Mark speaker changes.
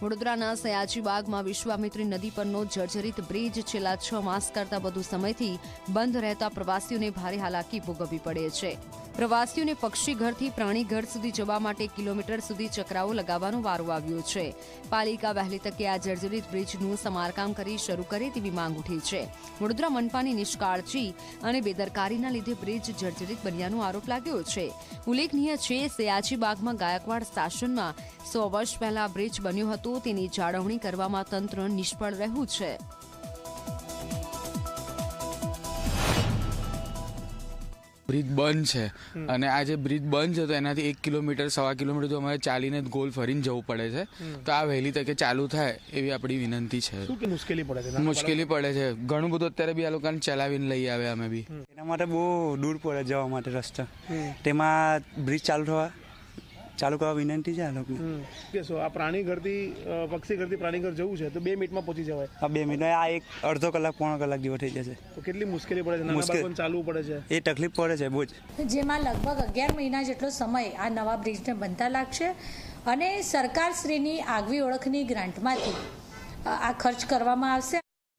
Speaker 1: વડોદરાના સયાજીબાગમાં વિશ્વામિત્રી નદી પરનો જર્જરિત બ્રિજ છેલ્લા 6 માસ કરતાં વધુ સમયથી બંધ રહેતા પ્રવાસીઓને ભારે હાલાકી ભોગવવી પડે છે. પ્રવાસીઓને પક્ષીઘરથી પ્રાણીઘર સુધી જવા માટે કિલોમીટર સુધી ચકરાવો લગાવવાનો વારો આવ્યો છે. પાલિકા વહેલી તકે આ જર્જરિત બ્રિજનું સમારકામ કરી શરૂ કરે તેવી માંગ ઉઠી છે. વડોદરા મનપાની નિષ્કાળજી અને બેદરકારીના લીધે બ્રિજ જર્જરિત બન્યાનો આરોપ લાગ્યો છે. ઉલ્લેખનીય છે, સયાજીબાગમાં ગાયકવાડ શાસનમાં 100 વર્ષ પહેલા બ્રિજ બન્યો હતો, તેની જાળવણી કરવામાં તંત્ર નિષ્ફળ રહ્યું છે.
Speaker 2: બ્રિજ બંધ છે અને આ જે બ્રિજ બંધ છે તો એનાથી 1 કિલોમીટર 1.25 કિલોમીટર તો અમારે ચાલીને ગોલ ફરીને જવું પડે છે. તો આ વહેલી તકે ચાલુ થાય એવી આપણી વિનંતી છે.
Speaker 3: શું કે મુશ્કેલી પડે છે?
Speaker 2: મુશ્કેલી પડે છે ઘણું બધું. અત્યારે બી આ લોકોને ચલાવીને લઈ આવે અમે બી.
Speaker 4: એના માટે બહુ દૂર પડે જવા માટે રસ્તા. તેમાં બ્રિજ ચાલુ કરવા વિનંતી છે આ લોકોને.
Speaker 3: કેસો આ પ્રાણી ઘરથી પક્ષી ઘરથી પ્રાણી ઘર જવું છે તો 2 મિનિટમાં પહોંચી જવાય.
Speaker 4: આ 2 મિનિટ આ એક અડધો કલાક પોણો કલાક જેવો થઈ જશે.
Speaker 3: તો કેટલી મુશ્કેલી પડે છે? નાના બાળકોને ચાલવું પડે છે.
Speaker 4: એ તકલીફ પડે છે બહુ જ.
Speaker 5: જેમાં લગભગ 11 મહિના જેટલો સમય આ નવા બ્રિજને બનતા લાગશે અને સરકારશ્રીની આગવી ઓળખની ગ્રાન્ટમાંથી આ ખર્ચ કરવામાં આવશે.